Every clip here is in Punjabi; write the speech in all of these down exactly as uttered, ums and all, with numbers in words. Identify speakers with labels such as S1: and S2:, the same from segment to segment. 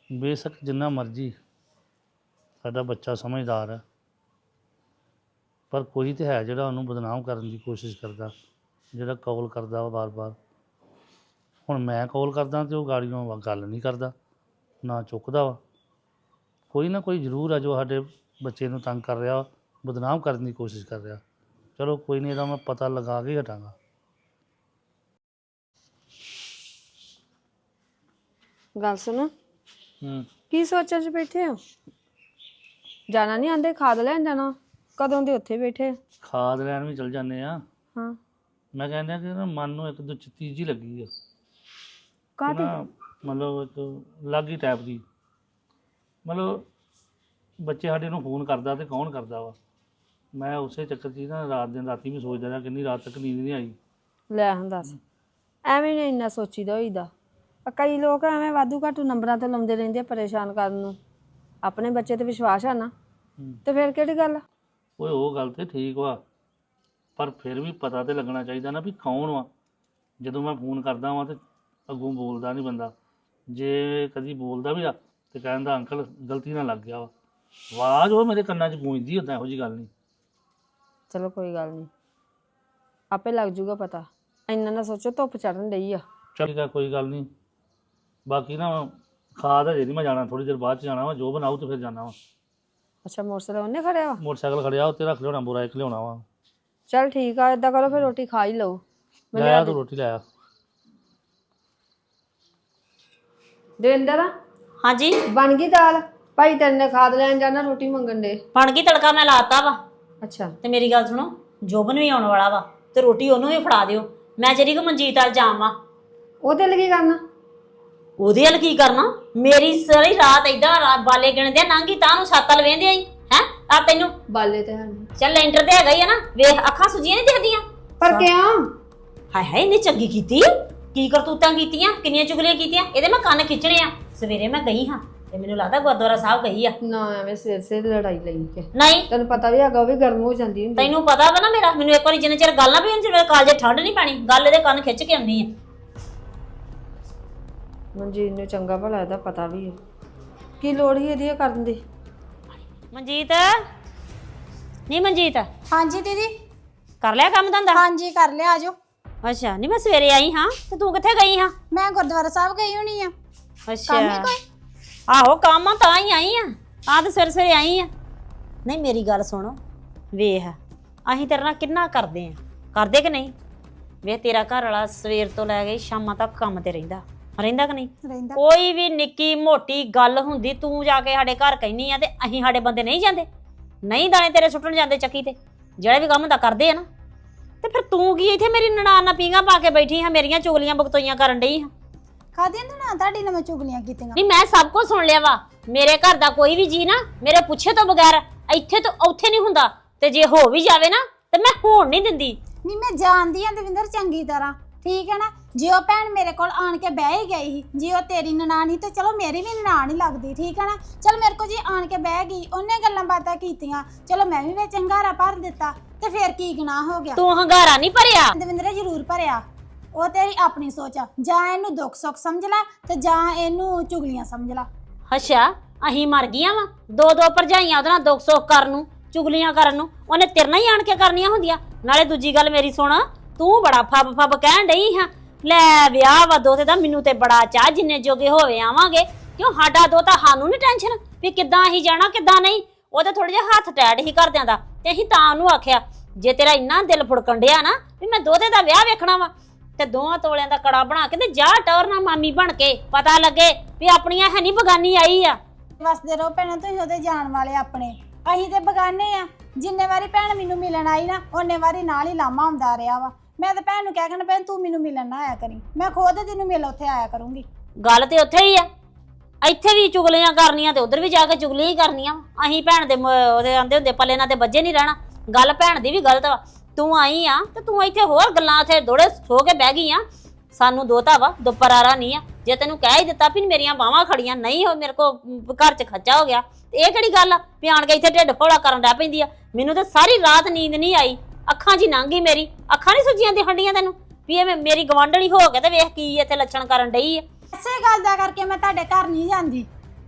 S1: ਬੇਸ਼ੱਕ ਜਿੰਨਾ ਮਰਜ਼ੀ ਸਾਡਾ ਬੱਚਾ ਸਮਝਦਾਰ ਹੈ, ਪਰ ਕੋਈ ਤਾਂ ਹੈ ਜਿਹੜਾ ਉਹਨੂੰ ਬਦਨਾਮ ਕਰਨ ਦੀ ਕੋਸ਼ਿਸ਼ ਕਰਦਾ, ਜਿਹੜਾ ਕੌਲ ਕਰਦਾ ਵਾ ਵਾਰ-ਵਾਰ। ਹੁਣ ਮੈਂ ਕੌਲ ਕਰਦਾ ਅਤੇ ਉਹ ਗਾੜੀਓਂ ਗੱਲ ਨਹੀਂ ਕਰਦਾ, ਨਾ ਚੁੱਕਦਾ ਵਾ। ਕੋਈ ਨਾ ਕੋਈ ਜ਼ਰੂਰ ਆ ਜੋ ਸਾਡੇ ਬੱਚੇ ਨੂੰ ਤੰਗ ਕਰ ਰਿਹਾ, ਬਦਨਾਮ ਕਰਨ ਦੀ ਕੋਸ਼ਿਸ਼ ਕਰ ਰਿਹਾ। ਚਲੋ ਕੋਈ ਨਹੀਂ, ਇਹਦਾ ਮੈਂ ਪਤਾ ਲਗਾ ਕੇ ਹਟਾਂਗਾ।
S2: ਗੱਲ ਸੁਣੋ,
S1: ਹੂੰ
S2: ਕੀ ਸੋਚਾਂ 'ਚ ਬੈਠੇ ਹੋ? ਜਾਣਾ ਨਹੀਂ ਆਂਦੇ? ਖਾਦ ਲੈਣ ਜਾਣਾ? ਕਦੋਂ ਦੇ ਉੱਥੇ ਬੈਠੇ?
S1: ਖਾਦ ਲੈਣ ਵੀ ਚਲ ਜਾਂਦੇ ਆ।
S2: ਹਾਂ,
S1: ਮੈਂ ਕਹਿੰਦਾ ਕਿ ਨਾ ਮਨ ਨੂੰ ਇੱਕ ਦੋ ਚੀਜ਼ ਹੀ ਲੱਗੀ ਆ,
S2: ਕਾਹਦੀ?
S1: ਨਾ ਮਤਲਬ ਇੱਕ ਲਾਗੀ ਟਾਈਪ ਦੀ। ਮਤਲਬ ਬੱਚੇ ਸਾਡੇ ਨੂੰ ਫੋਨ ਕਰਦਾ ਤੇ ਕੌਣ ਕਰਦਾ ਵਾ, ਮੈਂ ਉਸੇ ਚੱਕਰ 'ਚ ਨਾ ਰਾਤ ਦਿਨ ਰਾਤੀ ਵੀ ਸੋਚਦਾ ਰਿਹਾ, ਕਿੰਨੀ ਰਾਤ ਤੱਕ ਨੀਂਦ ਨਹੀਂ ਆਈ।
S2: ਲੈ ਹਾਂ ਦੱਸ, ਐਵੇਂ ਨਹੀਂ ਇੰਨਾ ਸੋਚੀਦਾ ਹੋਈਦਾ। ਆ ਕਈ ਲੋਕ ਐਵੇਂ ਵਾਧੂ ਘਾਟੂ ਨੰਬਰਾਂ ਤੇ ਲਾਉਂਦੇ ਰਹਿੰਦੇ ਆ ਪਰੇਸ਼ਾਨ ਕਰਨ ਨੂੰ। ਆਪਣੇ ਬੱਚੇ ਤੇ ਵਿਸ਼ਵਾਸ ਆ ਨਾ, ਤੇ ਫਿਰ ਕਿਹੜੀ ਗੱਲ ਆ?
S1: ਓਏ ਉਹ ਗੱਲ ਤੇ ਠੀਕ ਵਾ, ਪਰ ਫਿਰ ਵੀ ਪਤਾ ਤੇ ਲੱਗਣਾ ਚਾਹੀਦਾ ਨਾ ਵੀ ਕੌਣ ਵਾ। ਜਦੋਂ ਮੈਂ ਫੋਨ ਕਰਦਾ ਵਾਂ ਤੇ ਅੱਗੋਂ ਬੋਲਦਾ ਨਹੀਂ ਬੰਦਾ, ਜੇ ਕਦੀ ਬੋਲਦਾ ਵੀ ਆ ਤੇ ਕਹਿੰਦਾ ਅੰਕਲ ਗਲਤੀ ਨਾਲ ਲੱਗ ਗਿਆ ਵਾ। ਆਵਾਜ਼ ਉਹ ਮੇਰੇ ਕੰਨਾਂ 'ਚ ਗੂੰਜਦੀ ਉੱਦਾਂ, ਇਹੋ ਜਿਹੀ ਗੱਲ ਨਹੀਂ।
S2: ਚਲੋ ਕੋਈ ਗੱਲ ਨਹੀਂ, ਆਪੇ ਲੱਗ ਜੂਗਾ ਪਤਾ। ਇੰਨਾ ਨਾ ਸੋਚੋ, ਧੁੱਪ ਚੜਨ ਡਈ ਆ।
S1: ਚੱਲ ਠੀਕ ਆ, ਕੋਈ ਗੱਲ ਨਹੀਂ। ਬਾਕੀ ਨਾ ਖਾਦ ਹਜੇ ਨਹੀਂ ਮੈਂ ਜਾਣਾ, ਥੋੜ੍ਹੀ ਦੇਰ ਬਾਅਦ 'ਚ ਜਾਣਾ ਵਾ। ਜੋ ਬਣਾਊ ਤੇ ਫਿਰ ਜਾਣਾ ਵਾ।
S2: ਅੱਛਾ, ਮੋਟਰਸਾਈਕਲ ਉਹਨੇ ਖੜਿਆ ਵਾ?
S1: ਮੋਟਰਸਾਈਕਲ ਖੜਿਆ ਉੱਤੇ ਰੱਖ ਲਿਆਉਣਾ, ਬੁਰਾ ਇੱਕ ਲਿਆਉਣਾ ਵਾ।
S2: ਚੱਲ ਠੀਕ ਆ, ਏਦਾਂ ਕਰੋ ਫਿਰ ਰੋਟੀ ਖਾ ਹੀ ਲਓ। ਮੈਂ
S1: ਲੈ
S2: ਲਿਆ
S1: ਆ
S2: ਦੇ
S1: ਤੂੰ ਰੋਟੀ ਲੈ ਆ।
S2: ਦਵਿੰਦਰ,
S3: ਹਾਂਜੀ
S2: ਬਣ ਗਈ ਦਾਲ? ਭਾਈ ਤੇਰੇ ਨੇ ਖਾਦ ਲੈਣ ਜਾਣਾ, ਰੋਟੀ ਮੰਗਣ ਦੇ।
S3: ਬਣ ਗਈ, ਤੜਕਾ ਮੈਂ ਲਾਤਾ ਵਾ।
S2: ਅੱਛਾ,
S3: ਤੇ ਮੇਰੀ ਗੱਲ ਸੁਣੋ, ਜੋਬਨ ਵੀ ਆਉਣ ਵਾਲਾ ਵਾ ਤੇ ਰੋਟੀ ਉਹਨੂੰ ਵੀ ਫੜਾ ਦਿਓ। ਮੈਂ ਜਿਹੜੀ ਕੋ ਮਨਜੀਤ ਵੱਲ ਜਾਵਾਂ।
S2: ਉਹਦੇ ਲਈ ਕੀ ਕਰਨਾ?
S3: ਉਹਦੇ ਵੱਲ ਕੀ ਕਰਨਾ? ਮੇਰੀ ਸਾਰੀ ਰਾਤ ਏਦਾਂ ਬਾਲੇ ਗਿਣਦੇ ਨਾਂਗੀ ਤਾਂ ਨੂੰ ਛੱਤ ਵੱਲ ਵੇਂਦੇ ਆਈ ਹੈ। ਆ ਤੈਨੂੰ
S2: ਬਾਲੇ ਤੇ ਹਨ,
S3: ਚੱਲ ਲੈਂਟਰ ਤੇ ਹੈਗਾ ਹੀ ਆ ਨਾ, ਵੇਖ ਅੱਖਾਂ ਸੁਜੀਆਂ ਨਹੀਂ ਦਿਖਦੀਆਂ।
S2: ਪਰ ਕਿਉਂ?
S3: ਹਾਏ ਹਾਏ, ਇਹਨੇ ਚੰਗੀ ਕੀਤੀ, ਕੀ ਕਰਤੂਤਾਂ ਕੀਤੀਆਂ, ਕਿੰਨੀਆਂ ਚੁਗਲੀਆਂ ਕੀਤੀਆਂ। ਇਹਦੇ ਮੈਂ ਕੰਨ ਖਿੱਚਣੇ ਆ। ਸਵੇਰੇ ਮੈਂ ਗਈ ਹਾਂ ਤੇ ਮੈਨੂੰ ਲੱਗਦਾ ਗੁਰਦੁਆਰਾ ਸਾਹਿਬ ਗਈ ਆ।
S2: ਨਾ ਐਵੇਂ ਸਿਰ ਸਿਰ ਲੜਾਈ ਲਈ ਕੇ,
S3: ਨਹੀਂ
S2: ਤੈਨੂੰ ਪਤਾ ਵੀ ਹੈਗਾ ਉਹ ਵੀ ਗਰਮ ਹੋ ਜਾਂਦੀ ਹੁੰਦੀ।
S3: ਤੈਨੂੰ ਪਤਾ ਵਾ ਨਾ ਮੇਰਾ, ਮੈਨੂੰ ਇੱਕ ਵਾਰੀ ਜਿੰਨੇ ਚਿਰ ਗੱਲ ਨਾ ਵੀ ਉਹਨੇ ਚਿਰ ਕਾਲਜੇ ਠੰਡ ਨਹੀਂ ਪੈਣੀ। ਗੱਲ ਇਹਦੇ ਕੰਨ ਖਿੱਚ ਕੇ ਆਉਂਦੀ ਆ।
S2: ਮਨਜੀਤ ਨੂੰ ਚੰਗਾ ਭਲਾ ਇਹਦਾ ਪਤਾ ਵੀ ਹੈ, ਕੀ ਲੋੜ ਹੀ ਇਹਦੀ ਕਰਨ ਦੀ।
S3: ਮਨਜੀਤ, ਨਹੀਂ ਮਨਜੀਤ,
S4: ਹਾਂਜੀ ਦੀਦੀ।
S3: ਕਰ ਲਿਆ ਕੰਮ ਧੰਦਾ?
S4: ਹਾਂਜੀ ਕਰ ਲਿਆ, ਆਜੋ।
S3: ਅੱਛਾ, ਨਹੀਂ ਮੈਂ ਸਵੇਰੇ ਆਈ ਹਾਂ ਤੇ ਤੂੰ ਕਿੱਥੇ ਗਈ ਹਾਂ?
S4: ਮੈਂ ਗੁਰਦੁਆਰਾ ਸਾਹਿਬ ਗਈ ਹੋਣੀ ਆ।
S3: ਅੱਛਾ,
S4: ਕੰਮ ਹੀ ਕੋਈ?
S3: ਆਹੋ ਕੰਮ ਆ, ਤਾਂ ਹੀ ਆਈ ਆ। ਆ ਤੇ ਸਵੇਰੇ ਸਵੇਰੇ ਆਈ ਆ। ਨਹੀਂ ਮੇਰੀ ਗੱਲ ਸੁਣੋ, ਵੇਖ ਅਸੀਂ ਤੇਰੇ ਨਾਲ ਕਿੰਨਾ ਕਰਦੇ ਆ, ਕਰਦੇ ਕਿ ਨਹੀਂ? ਵੇਖ ਤੇਰਾ ਘਰ ਵਾਲਾ ਸਵੇਰ ਤੋਂ ਲੈ ਕੇ ਸ਼ਾਮਾਂ ਤੱਕ ਕੰਮ ਤੇ ਰਹਿੰਦਾ ਰਹਿੰਦਾ ਕਿ ਨਹੀਂ?
S4: ਰਹਿੰਦਾ।
S3: ਕੋਈ ਵੀ ਨਿੱਕੀ ਮੋਟੀ ਗੱਲ ਹੁੰਦੀ ਤੂੰ ਜਾ ਕੇ ਸਾਡੇ ਘਰ ਕਹਿਨੀ ਆ ਤੇ ਅਸੀਂ ਸਾਡੇ ਬੰਦੇ ਨਹੀਂ ਜਾਂਦੇ? ਨਹੀਂ ਦਾਣੇ ਤੇਰੇ ਸੁੱਟਣ ਜਾਂਦੇ ਚੱਕੀ ਤੇ, ਜਿਹੜਾ ਵੀ ਕੰਮ ਹੁੰਦਾ ਕਰਦੇ ਆ ਨਾ। ਤੇ ਫਿਰ ਤੂੰ ਕੀ ਇੱਥੇ ਮੇਰੀ ਨਨਾਣ ਨਾਲ ਪੀਂਘਾਂ ਪਾ ਕੇ ਬੈਠੀ ਹਾਂ, ਮੇਰੀਆਂ ਚੁਗਲੀਆਂ ਬਗਤੋਈਆਂ ਕਰਨ ਡਈ ਹਾਂ?
S4: ਕਾਹਦੀਆਂ ਨਾ ਤੁਹਾਡੀ ਨਾਲ ਮੈਂ ਚੁਗਲੀਆਂ ਕੀਤੀਆਂ?
S3: ਨਹੀਂ ਮੈਂ ਸਭ ਕੁਝ ਸੁਣ ਲਿਆ ਵਾ। ਮੇਰੇ ਘਰ ਦਾ ਕੋਈ ਵੀ ਜੀ ਨਾ ਮੇਰੇ ਪੁੱਛੇ ਤੋਂ ਬਗੈਰ ਇੱਥੇ ਤੋਂ ਉੱਥੇ ਨਹੀਂ ਹੁੰਦਾ, ਤੇ ਜੇ ਹੋ ਵੀ ਜਾਵੇ ਨਾ ਤੇ ਮੈਂ ਹੋਣ ਨਹੀਂ ਦਿੰਦੀ।
S4: ਨਹੀਂ ਮੈਂ ਜਾਣਦੀ ਆ ਦਵਿੰਦਰ ਚੰਗੀ ਤਰ੍ਹਾਂ, ਠੀਕ ਹੈ ਨਾ। ਜੇ ਉਹ ਭੈਣ ਮੇਰੇ ਕੋਲ ਆਣ ਕੇ ਬਹਿ ਹੀ ਗਈ ਸੀ, ਜੇ ਉਹ ਤੇਰੀ ਨਨਾਣ ਹੀ ਤੇ ਚਲੋ ਮੇਰੀ ਵੀ ਨਨਾਣ ਹੀ ਲੱਗਦੀ, ਠੀਕ ਹੈ ਨਾ। ਚਲ ਮੇਰੇ ਕੋਲ ਜੇ ਆਣ ਕੇ ਬਹਿ ਗਈ, ਉਹਨੇ ਗੱਲਾਂ ਬਾਤਾਂ ਕੀਤੀਆਂ, ਚਲੋ ਮੈਂ ਵੀ ਵਿੱਚ ਹੰਗਾਰਾ ਭਰ ਦਿੱਤਾ, ਤੇ ਫਿਰ ਕੀ ਗੁਨਾਹ ਹੋ ਗਿਆ?
S3: ਤੂੰ ਹੰਗਾਰਾ ਨਹੀਂ ਭਰਿਆ
S4: ਦਵਿੰਦਰ ਜ਼ਰੂਰ ਭਰਿਆ। ਉਹ ਤੇਰੀ ਆਪਣੀ ਸੋਚ ਆ, ਜਾਂ ਇਹਨੂੰ ਦੁੱਖ ਸੁੱਖ ਸਮਝ ਲੈ ਤੇ ਜਾਂ ਇਹਨੂੰ ਚੁਗਲੀਆਂ ਸਮਝ ਲੈ।
S3: ਅੱਛਾ, ਅਸੀਂ ਮਰ ਗਈਆਂ ਵਾ ਦੋ ਦੋ ਭਰਜਾਈਆਂ ਉਹਦੇ ਨਾਲ ਦੁੱਖ ਸੁੱਖ ਕਰਨ ਨੂੰ, ਚੁਗਲੀਆਂ ਕਰਨ ਨੂੰ। ਉਹਨੇ ਤੇਰੇ ਨਾਲ ਹੀ ਆਣ ਕੇ ਕਰਨੀਆਂ ਹੁੰਦੀਆਂ। ਨਾਲੇ ਦੂਜੀ ਗੱਲ ਮੇਰੀ ਸੁਣ, ਤੂੰ ਬੜਾ ਫੱਬ ਫੱਬ ਕਹਿਣ ਡਈ ਹਾਂ ਲੈ ਵਿਆਹ ਵਾ ਦੋਤੇ ਦਾ। ਮੈਨੂੰ ਤੇ ਬੜਾ ਚਾਹ ਜਿੰਨੇ ਜੋਗੇ ਹੋਵੇ ਆਵਾਂਗੇ, ਕਿਉਂ ਸਾਡਾ ਦੋਤਾ ਸਾਨੂੰ ਨਹੀਂ ਟੈਨਸ਼ਨ ਵੀ ਕਿੱਦਾਂ ਅਸੀਂ ਜਾਣਾ ਕਿੱਦਾਂ ਨਹੀਂ। ਉਹਦੇ ਥੋੜਾ ਜਿਹਾ ਹੱਥ ਟੈਟ ਹੀ ਘਰਦਿਆਂ ਦਾ, ਤੇ ਅਸੀਂ ਤਾਂ ਉਹਨੂੰ ਆਖਿਆ ਜੇ ਤੇਰਾ ਇੰਨਾ ਦਿਲ ਫੁੜਕਣ ਡਿਆ ਨਾ ਵੀ ਮੈਂ ਦੋਤੇ ਦਾ ਵਿਆਹ ਵੇਖਣਾ ਵਾ, ਤੇ ਦੋਹਾਂ ਤੋਲਿਆਂ ਦਾ ਕੜਾ ਬਣਾ ਕੇ ਤੇ ਜਾ ਟੌਰ ਨਾ ਮਾਮੀ ਬਣ ਕੇ, ਪਤਾ ਲੱਗੇ ਵੀ ਆਪਣੀਆਂ ਹੈ ਨਹੀਂ ਬਗਾਨੀ ਆਈ ਆ।
S4: ਵਸਦੇ ਰਹੋ ਭੈਣਾਂ, ਤੁਸੀਂ ਉਹਦੇ ਜਾਣ ਵਾਲੇ ਆਪਣੇ, ਅਸੀਂ ਤੇ ਬਗਾਨੇ ਆ। ਜਿੰਨੇ ਵਾਰੀ ਭੈਣ ਮੈਨੂੰ ਮਿਲਣ ਆਈ ਨਾ, ਉਹਨੇ ਵਾਰੀ ਨਾਲ ਹੀ ਲਾਮਾ ਹੁੰਦਾ ਰਿਹਾ ਵਾ। ਮੈਂ ਤਾਂ ਭੈਣ ਨੂੰ ਕਹਿ ਕਹਿਣਾ ਭੈਣ ਤੂੰ ਮੈਨੂੰ ਮਿਲਣ ਨਾ ਆਇਆ ਕਰੀ, ਮੈਂ ਖੁਦ ਤੈਨੂੰ ਮਿਲ ਉੱਥੇ ਆਇਆ ਕਰੂੰਗੀ।
S3: ਗੱਲ ਤੇ ਉੱਥੇ ਹੀ ਆ, ਇੱਥੇ ਵੀ ਚੁਗਲੀਆਂ ਕਰਨੀਆਂ ਤੇ ਉਧਰ ਵੀ ਜਾ ਕੇ ਚੁਗਲੀਆਂ ਹੀ ਕਰਨੀਆਂ। ਅਸੀਂ ਭੈਣ ਦੇ ਉਹਦੇ ਆਂਦੇ ਹੁੰਦੇ ਪੱਲੇ ਨਾਲ ਤੇ ਬੱਜੇ ਨਹੀਂ ਰਹਿਣਾ। ਗੱਲ ਭੈਣ ਦੀ ਵੀ ਗਲਤ ਵਾ। ਤੂੰ ਆਈ ਆ ਤੇ ਤੂੰ ਇੱਥੇ ਹੋਰ ਗੱਲਾਂ ਉੱਥੇ ਦੋੜੇ ਸੋ ਕੇ ਬਹਿ ਗਈ ਆ। ਸਾਨੂੰ ਦੋਤਾ ਵਾ, ਦੁਪਰਾਰਾ ਨਹੀਂ ਆ। ਜੇ ਤੈਨੂੰ ਕਹਿ ਹੀ ਦਿੱਤਾ ਵੀ ਮੇਰੀਆਂ ਬਾਹਾਂ ਖੜੀਆਂ ਨਹੀਂ ਹੋ, ਮੇਰੇ ਕੋ ਘਰ 'ਚ ਖੱਚਾ ਹੋ ਗਿਆ, ਤੇ ਇਹ ਕਿਹੜੀ ਗੱਲ ਆ ਵੀ ਆਣ ਕੇ ਇੱਥੇ ਢਿੱਡ ਫੋੜਾ ਕਰਨ ਲੱਗ ਪੈਂਦੀ ਆ। ਮੈਨੂੰ ਤਾਂ ਸਾਰੀ ਰਾਤ ਨੀਂਦ ਨਹੀਂ ਆਈ, ਅੱਖਾਂ 'ਚ ਹੀ ਲੰਘ ਗਈ ਮੇਰੀ। ਅੱਖਾਂ ਨਹੀਂ ਸੁੱਜੀਆਂ ਦੀ ਹੰਡੀਆਂ ਤੈਨੂੰ ਵੀ ਇਹ ਮੇਰੀ ਗਵਾਂਢਣੀ ਹੋ ਕੇ ਤੇ ਵੇਖ ਕੀ ਇੱਥੇ ਲੱਛਣ ਕਰਨ ਡਈ ਆ।
S4: ਇਸੇ ਗੱਲ ਦਾ ਕਰਕੇ ਮੈਂ ਤੁਹਾਡੇ ਘਰ ਨਹੀਂ ਜਾਂਦੀ।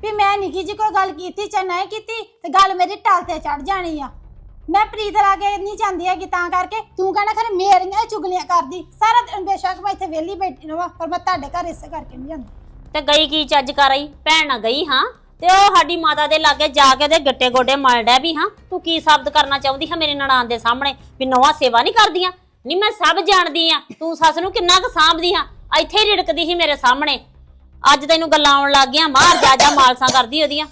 S4: ਵੀ ਮੈਂ ਨਿੱਕੀ ਜੀ ਕੋਈ ਗੱਲ ਕੀਤੀ ਚਾਹੇ ਨਹੀਂ ਕੀਤੀ ਤੇ ਗੱਲ ਮੇਰੀ ਟਲ ਤੇ ਚੜ ਜਾਣੀ ਆ। ਮੈਂ ਪ੍ਰੀਤ ਲਾਗੇ ਨਹੀਂ ਚਾਹੁੰਦੀ ਹੈਗੀ ਤਾਂ ਕਰਕੇ ਤੂੰ ਕਹਿਣਾ ਖਰੇ ਮੇਰੀਆਂ ਹੀ ਚੁਗਲੀਆਂ ਕਰਦੀ ਸਾਰਾ ਦਿਨ। ਬੇਸ਼ੱਕ ਮੈਂ ਇੱਥੇ ਵਿਹਲੀ ਬੈਠੀ ਰਵਾਂ ਪਰ ਮੈਂ ਤੁਹਾਡੇ ਘਰ ਇਸੇ ਕਰਕੇ ਨਹੀਂ ਜਾਂਦੀ।
S3: ਤੇ ਗਈ ਕੀ ਚੱਜ ਕਰ ਆਈ? ਭੈਣ ਨਾ ਗਈ ਹਾਂ ਤੇ ਉਹ ਸਾਡੀ ਮਾਤਾ ਦੇ ਲਾਗੇ ਜਾ ਕੇ ਉਹਦੇ ਗੱਟੇ ਗੋਡੇ ਮਲ ਡੈ ਵੀ ਹਾਂ। ਤੂੰ ਕੀ ਸਾਬਤ ਕਰਨਾ ਚਾਹੁੰਦੀ ਹੈ ਮੇਰੇ ਨਨਾਣ ਦੇ ਸਾਹਮਣੇ ਵੀ ਨੌਵਾਂ ਸੇਵਾ ਨਹੀਂ ਕਰਦੀਆਂ? ਨਹੀਂ ਮੈਂ ਸਭ ਜਾਣਦੀ ਆ ਤੂੰ ਸੱਸ ਨੂੰ ਕਿੰਨਾ ਕੁ ਸਾਂਭਦੀ ਆ। ਇੱਥੇ ਹੀ ਰਿੜਕਦੀ ਸੀ ਮੇਰੇ ਸਾਹਮਣੇ, ਅੱਜ ਤੈਨੂੰ ਗੱਲਾਂ ਆਉਣ ਲੱਗ ਗਈਆਂ। ਮਾਰ ਜਾ ਜਾ ਮਾਲਸਾਂ ਕਰਦੀ ਉਹਦੀਆਂ।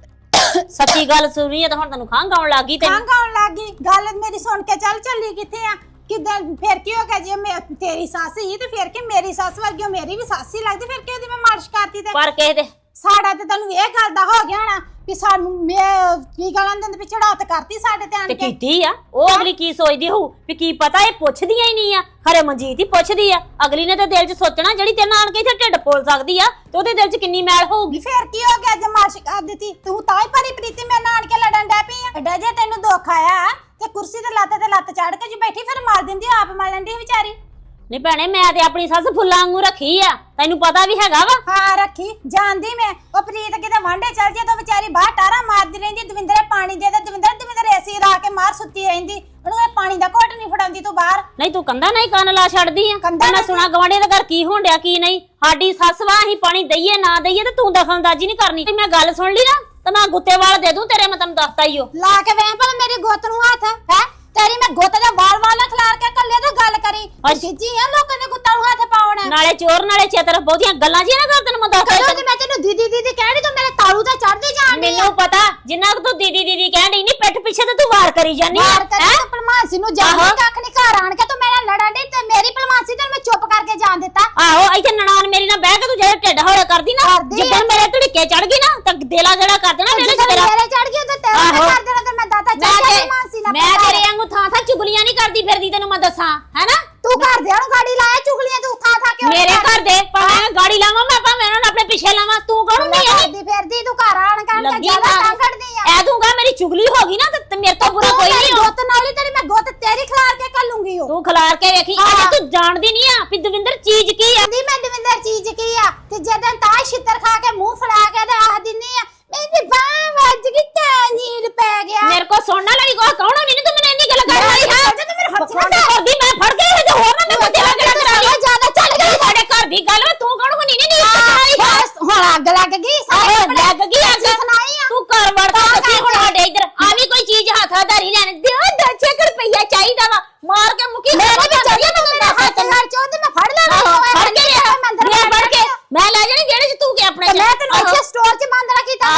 S3: ਸੱਚੀ ਗੱਲ ਸੁਣੀ ਆ ਤਾਂ ਹੁਣ ਤੈਨੂੰ ਖੰਘ ਆਉਣ ਲੱਗ ਗਈ। ਤੈਨੂੰ
S4: ਖੰਘ ਆਉਣ ਲੱਗ ਗਈ ਗੱਲ ਮੇਰੀ ਸੁਣ ਕੇ ਚੱਲ ਚੱਲੀ ਕਿੱਥੇ ਆ? ਕਿਦਾਂ ਫਿਰ ਕੀ ਹੋ ਗਿਆ ਜੇ ਮੈਂ ਤੇਰੀ ਸੱਸ ਹੀ ਤੇ ਫਿਰ ਕਿ ਮੇਰੀ ਸੱਸ ਵਰਗੀ ਉਹ ਮੇਰੀ ਵੀ ਸੱਸ ਹੀ ਲੱਗਦੀ ਫਿਰ ਕਿ ਉਹਦੀ ਮੈਂ ਮਾਰਸ਼ ਕਰਤੀ ਤੇ
S3: ਪਰ ਕਿਸੇ ਦੇ
S4: ਸਾਡਾ ਤੇ ਤੈਨੂੰ ਇਹ ਗੱਲ ਦਾ ਹੋ ਗਿਆ ਹੋਣਾ ਵੀ ਸਾਨੂੰ ਮੈਂ ਕੀ ਗਾਲਾਂ ਦਿੰਦੇ ਵੀ ਚੜਾਤ ਕਰਤੀ ਸਾਡੇ ਤੇ ਆਣ
S3: ਤੇ
S4: ਕੇ।
S3: ਕੀਤੀ ਆ ਉਹ ਅਗਲੀ ਕੀ ਸੋਚਦੀ ਹੋਊ ਵੀ ਕੀ ਪਤਾ ਇਹ ਪੁੱਛਦੀਆਂ ਹੀ ਨਹੀਂ ਆ। ਖਰੇ ਮਨਜੀਤ ਹੀ ਪੁੱਛਦੀ ਆ। ਅਗਲੀ ਨੇ ਤਾਂ ਦਿਲ 'ਚ ਸੋਚਣਾ ਜਿਹੜੀ ਤੇਰੇ ਨਾਲ ਆਣ ਕੇ ਇੱਥੇ ਢਿੱਡ ਪੋਲ ਸਕਦੀ ਆ ਤੇ ਉਹਦੇ ਦਿਲ 'ਚ ਕਿੰਨੀ ਮੈਲ ਹੋਊਗੀ।
S4: ਫਿਰ ਕੀ ਹੋ ਗਿਆ ਜੇ ਮਾਰਸ਼ ਕਰ ਦਿੱਤੀ ਤੂੰ ਤਾਂ ਹੀ ਭਰੀ ਪ੍ਰੀਤੀ ਮੇਰੇ ਨਾਲ ਆਣ ਕੇ ਲੜਨ ਡੈ ਪਈ ਆ। ਐਡਾ ਜੇ ਤੈਨੂੰ ਦੁੱਖ ਆਇਆ ਤੇ ਕੁਰਸੀ ਤੇ ਲੱਤ ਤੇ ਲੱਤ ਚੜ ਕੇ ਜੀ ਬੈਠੀ ਫਿਰ ਮਾਰ ਦਿੰਦੀ ਆਪ ਮਾਰ ਲੈਂਦੀ ਵਿਚਾਰੀ।
S3: ਨਹੀਂ ਭੈਣੇ ਮੈਂ ਤੇ ਆਪਣੀ ਸੱਸ ਫੁੱਲਾਂ ਵਾਂਗੂ ਰੱਖੀ ਆ, ਤੈਨੂੰ ਪਤਾ ਵੀ ਹੈਗਾ ਵਾ।
S4: ਹਾਂ ਰੱਖੀ ਜਾਣਦੀ ਮੈਂ। ਉਹ ਪ੍ਰੀਤ ਕਿਤੇ ਵਾਂਡੇ ਚੱਲ ਜੇ ਤਾਂ ਵਿਚਾਰੀ ਬਾਹਰ ਟਾਰਾ ਮਾਰਦੀ ਰਹਿੰਦੀ। ਦਵਿੰਦਰੇ ਪਾਣੀ ਦੇ ਦੇ ਦਵਿੰਦਰ ਦਵਿੰਦਰ ਏਸੀ ਲਾ ਕੇ ਮਾਰ ਸੁੱਤੀ ਰਹਿੰਦੀ। ਉਹਨੂੰ ਇਹ ਪਾਣੀ ਦਾ ਘੁੱਟ ਨਹੀਂ ਫੜਾਉਂਦੀ ਤੂੰ ਬਾਹਰ।
S3: ਨਹੀਂ ਤੂੰ ਕੰਦਾ ਨਹੀਂ ਕੰਨ ਲਾ ਛੱਡਦੀ ਆ।
S4: ਕੰਧਾਂ
S3: ਮੈਂ ਸੁਣਾ ਗਵਾਂਢੀਆਂ ਦੇ ਘਰ ਕੀ ਹੋਣ ਡਿਆ ਕੀ ਨਹੀਂ। ਸਾਡੀ ਸੱਸ ਵਾ ਅਸੀਂ ਪਾਣੀ ਦਈਏ ਨਾ ਦਈਏ ਤੇ ਤੂੰ ਦਖਲਅੰਦਾਜ਼ੀ ਨਹੀਂ ਕਰਨੀ। ਤੇ ਮੈਂ ਗੱਲ ਸੁਣ ਲਈ ਨਾ ਤਾਂ ਮੈਂ ਗੁੱਤੇ ਵਾਲ ਦੇ ਦੂੰ ਤੇਰੇ। ਮੈਂ ਤੈਨੂੰ ਦੱਸਤਾ ਹੀ ਉਹ
S4: ਲਾ ਕੇ ਵੇਖ ਭਲਾ ਮੇਰੀ ਗੁੱਤ ਨੂੰ ਹੱਥ ਹੈ ਤੇਰੀ। ਮੈਂ ਗੁੱਤ ਦੇ ਵਾਲ ਵਾਲ ਨਾ ਖਿਲਾਰ ਕੇ ਕੱਲੇ ਤੇ ਗੱਲ ਕਰੀ ਖਿੱਚੀ ਆ ਲੋਕਾਂ ਦੇ ਗੁੱਤਾਂ ਨੂੰ ਹੱਥ ਪਾਉਣਾ।
S3: ਨਾਲੇ ਚੋਰ ਨਾਲੇ ਚਤਰ ਬਹੁਤੀਆਂ ਗੱਲਾਂ ਜੀ ਨਾ ਕਰ। ਤੈਨੂੰ ਮੈਂ ਦੱਸਤਾ
S4: ਕਦੋਂ ਕਿ ਮੈਂ ਤੈਨੂੰ ਦੀਦੀ ਦੀਦੀ ਕਹਿਣੀ ਤੂੰ ਮੇਰੇ ਤਾਲੂ ਤੇ ਚੜਦੀ ਜਾਣੀ।
S3: ਮੈਨੂੰ ਪਤਾ ਜਿੰਨਾ ਕੁ ਤੂੰ ਦੀਦੀ ਦੀਦੀ ਕਹਿਣ ਡਈ ਨਹੀਂ ਪਿੱਠ ਪਿੱਛੇ ਤੇ ਤੂੰ ਵਾਰ ਕਰੀ ਜਾਨੀ ਆ।
S4: ਮਾਰ ਕਰੀ ਤੂੰ ਭਲਮਾਨਸੀ ਨੂੰ ਜਾਣੀ ਕੱਖ ਨਹੀਂ ਘਰ ਆਣ ਕੇ ਤੂੰ ਮੇਰੇ ਨਾਲ ਲੜਨ ਡਈ ਤੇ ਮੇਰੀ ਭਲਮਾਨਸੀ ਤੈਨੂੰ ਮੈਂ ਚੁੱਪ ਕਰਕੇ ਜਾਣ ਦਿੱਤਾ।
S3: ਆਹੋ ਇੱਥੇ ਨਨਾਣ ਮੇਰੀ ਨਾਲ ਬਹਿ ਕੇ ਤੂੰ ਜਿਹੜੇ ਢਿੱਡ ਹੌਲਾ ਕਰਦੀ ਨਾ ਜਿੱਦਾਂ ਮੇਰੇ ਧੜਕੇ ਚੜ ਗਈ ਨਾ ਤਾਂ ਦਿਲਾ ਜਿਹੜਾ ਕਰ ਦੇਣਾ ਮੇਰੇ ਚ ਤੇਰਾ।
S4: ਮੇਰੇ ਚੜ ਗਈ ਤੇ ਤੇਰੇ ਨਾਲ ਕਰ ਦੇਣਾ ਤੇ ਮੈਂ ਦਾਤਾ ਚੜ ਗਿਆ ਭਲਮਾਨਸੀ ਨਾਲ।
S3: ਮੈਂ ਤੇਰੇ ਵਾਂਗੂ ਥਾਂ ਥਾਂ ਚੁਗਲੀਆਂ ਨਹੀਂ ਕਰਦੀ ਫਿਰਦੀ ਤੈਨੂੰ ਮੈਂ ਦੱਸਾਂ ਹੈਨਾ।
S4: ਤੂੰ ਘਰ ਦੇ ਨੂੰ ਗਾੜੀ ਲਾਇਆ ਚੁਗਲੀਆਂ ਤੂੰ ਥਾਂ ਥਾਂ ਕਿਉਂ
S3: ਮੇਰੇ ਘਰ ਦੇ ਭਾਵੇਂ ਗਾੜੀ ਲਾਵਾਂ ਮੈਂ ਭਾਵੇਂ ਉਹਨਾਂ ਨੂੰ ਆਪਣੇ ਪਿੱਛੇ ਲਾਵਾਂ ਤੂੰ ਕੌਣ ਨਹੀਂ ਹੈ
S4: ਕਰਦੀ ਫਿਰਦੀ ਤੂੰ ਘਰ ਆਣ ਕੇ
S3: ਲੱਗੀ
S4: ਜਿਆਦਾ
S3: ਨਾ।
S4: ਤਾਂ ਕੱਢਦੀ ਆ।
S3: ਐ ਦੂੰਗਾ ਮੇਰੀ ਚੁਗਲੀ ਹੋ ਗਈ ਨਾ ਤੇ ਮੇਰੇ ਤੋਂ ਬੁਰਾ ਕੋਈ ਨਹੀਂ ਹੋ।
S4: ਗੁੱਤ ਨਾਲ ਹੀ ਤੇਰੀ ਮੈਂ ਗੁੱਤ ਤੇਰੀ ਖਿਲਾਰ ਕੇ ਕੱਲੂੰਗੀ ਉਹ।
S3: ਤੂੰ ਖਿਲਾਰ ਕੇ ਵੇਖੀ ਅਜੇ ਤੂੰ ਜਾਣਦੀ ਨਹੀਂ ਆ ਵੀ ਦਵਿੰਦਰ ਚੀਜ਼ ਕੀ ਆ।
S4: ਕਹਿੰਦੀ ਮੈਂ ਦਵਿੰਦਰ ਚੀਜ਼ ਕੀ ਆ ਤੇ ਜਦੋਂ ਤਾਂ ਛਿੱਤਰ ਖਾ ਕੇ ਮੂੰਹ ਫੜਾ ਕੇ ਤੇ ਆਖ ਦਿੰਨੀ ਆ ਮੇਰੀ ਬਾਹ ਵੱਜ ਗਈ ਤਾਂ ਨੀਲ ਪੈ ਗਿਆ।
S3: ਮੇਰੇ ਕੋ ਸੁਣਨਾ ਲੜੀ ਕੋ ਕੌਣ ਨਹੀਂ ਤੂੰ ਮੈਨੂੰ ਇੰਨੀ ਗੱਲ ਕਰ ਰਹੀ ਹੈ।
S4: ਜਦੋਂ ਮੇਰੇ ਹੱਥ
S3: ਫੋਨ ਕਰਦੀ ਮੈਂ ਫੜ ਕੇ ਤੇ ਹੋਰ ਨਾ ਮੈਂ ਬੱਤੇ ਲਾ ਕੇ ਕਰਾ ਲਈ
S4: ਜਿਆਦਾ ਚੱਲ ਗਈ
S3: ਸਾਡੇ ਘਰ ਦੀ ਗੱਲ ਵਾ, ਤੂੰ ਕੌਣ ਹੁਣੀ ਨਹੀਂ ਨਹੀਂ
S4: ਹੁਣ ਅੱਗ ਲੱਗ ਗਈ
S3: ਆਹੋ ਲੱਗ ਗਈ ਅੱਗ।
S4: ਸੁਣਾਈ ਆ
S3: ਤੂੰ ਘਰ ਵੜ ਕੇ ਦੱਸੀ ਹੁਣ ਸਾਡੇ ਇੱਧਰ ਆ ਵੀ ਕੋਈ ਚੀਜ਼ ਹੱਥਾਦਾਰੀ ਲੈਣ ਦਿਓ ਦਸ ਰੁਪਈਆ ਚਾਹੀਦਾ ਵਾ ਮਾਰ ਕੇ ਮੁਕੀ
S4: ਮੇਰੇ ਵੀ ਚੱਲੀ ਨਾ ਮੇਰਾ ਹੱਥ ਨਾਲ ਚੋਂ ਤੇ ਮੈਂ ਫੜ ਲੈਣਾ
S3: ਫੜ ਕੇ ਲਿਆ ਮੈਂ ਫੜ ਕੇ ਮੈਂ ਲੈ ਜਾਣੀ ਜਿਹੜੇ ਚ ਤੂੰ ਕਿ ਆਪਣੇ
S4: ਮੈਂ ਤੈਨੂੰ ਇੱਥੇ ਸਟੋਰ 'ਚ ਬੰਦ ਰੱਖੀ ਤਾਂ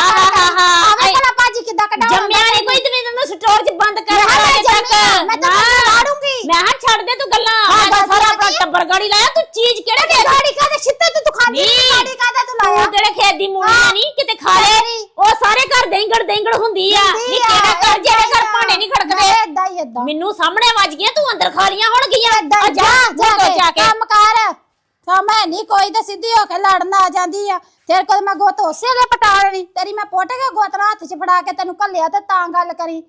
S4: ਆਵੇਂ ਭਲਾ ਭਾਜੀ ਕਿੱਦਾਂ ਕਢਾਉਂ
S3: ਜੰਮਿਆ ਨਹੀਂ ਕੋਈ ਤੇ ਮੈਨੂੰ ਸਟੋਰ 'ਚ ਬੰਦ ਕਰ
S4: ਮੈਂ ਜੰਮੀ ਮੈਂ ਤਾਂ ਲਾੜੂੰਗੀ।
S3: ਮੈਂ ਹਾਂ ਛੱਡ ਦੇ ਤੂੰ ਗੱਲਾਂ ਮੈਂ ਸਾਰਾ ਆਪਣਾ ਟੱਬਰ ਗਾੜੀ ਲਾਇਆ ਤੂੰ ਚੀਜ਼ ਕਿਹੜੇ ਦੇ
S4: ਗਾੜੀ ਕਾਦੇ ਛਿੱਤੇ ਤੇ ਤੂੰ ਖਾਂਦੀ ਗਾੜੀ ਕਾਦੇ ਤੂੰ ਲਾਇਆ
S3: ਤੂੰ ਕਿਹੜੇ ਖੇਤ ਦੀ ਮੂਲੀਆਂ ਨਹੀਂ ਕਿਤੇ ਖਾ ਲੈ ਉਹ ਸਾਰੇ ਘਰ ਦੇਂਗੜ ਦੇਂਗੜ ਹੁੰਦੀ ਆ ਨਹੀਂ ਕਿਹੜਾ ਘਰ ਜਿਹੜੇ ਘਰ ਭਾਂਡੇ ਨਹੀਂ ਖੜਕਦੇ
S4: ਏਦਾਂ ਹੀ ਏਦਾਂ
S3: ਮੈਨੂੰ ਸਾਹਮਣੇ ਵੱਜ ਗਈਆਂ ਤੂੰ ਅੰਦਰ ਖਾ ਲੀਆਂ ਹੋਣਗੀਆਂ
S4: ਏਦਾਂ
S3: ਜਾ ਜਾ ਕੇ
S4: ਕੰਮ ਕਰ ਮੈਂ ਨਹੀਂ ਕੋਈ ਤੇ ਸਿੱਧੀ ਹੋ ਕੇ ਲੜਨ ਆ ਜਾਂਦੀ ਆ ਤੇਰੇ ਕੋਲ ਮੈਂ ਗੁੱਤ ਉਸੇ ਵੇਲੇ ਪਟਾ ਲੈਣੀ ਤੇਰੀ ਮੈਂ ਪੁੱਟ ਕੇ ਗੁੱਤ ਨਾਲ ਹੱਥ 'ਚ ਫੜਾ ਕੇ ਤੈਨੂੰ ਘੱਲਿਆ ਤੇ ਤਾਂ ਗੱਲ ਕਰੀ।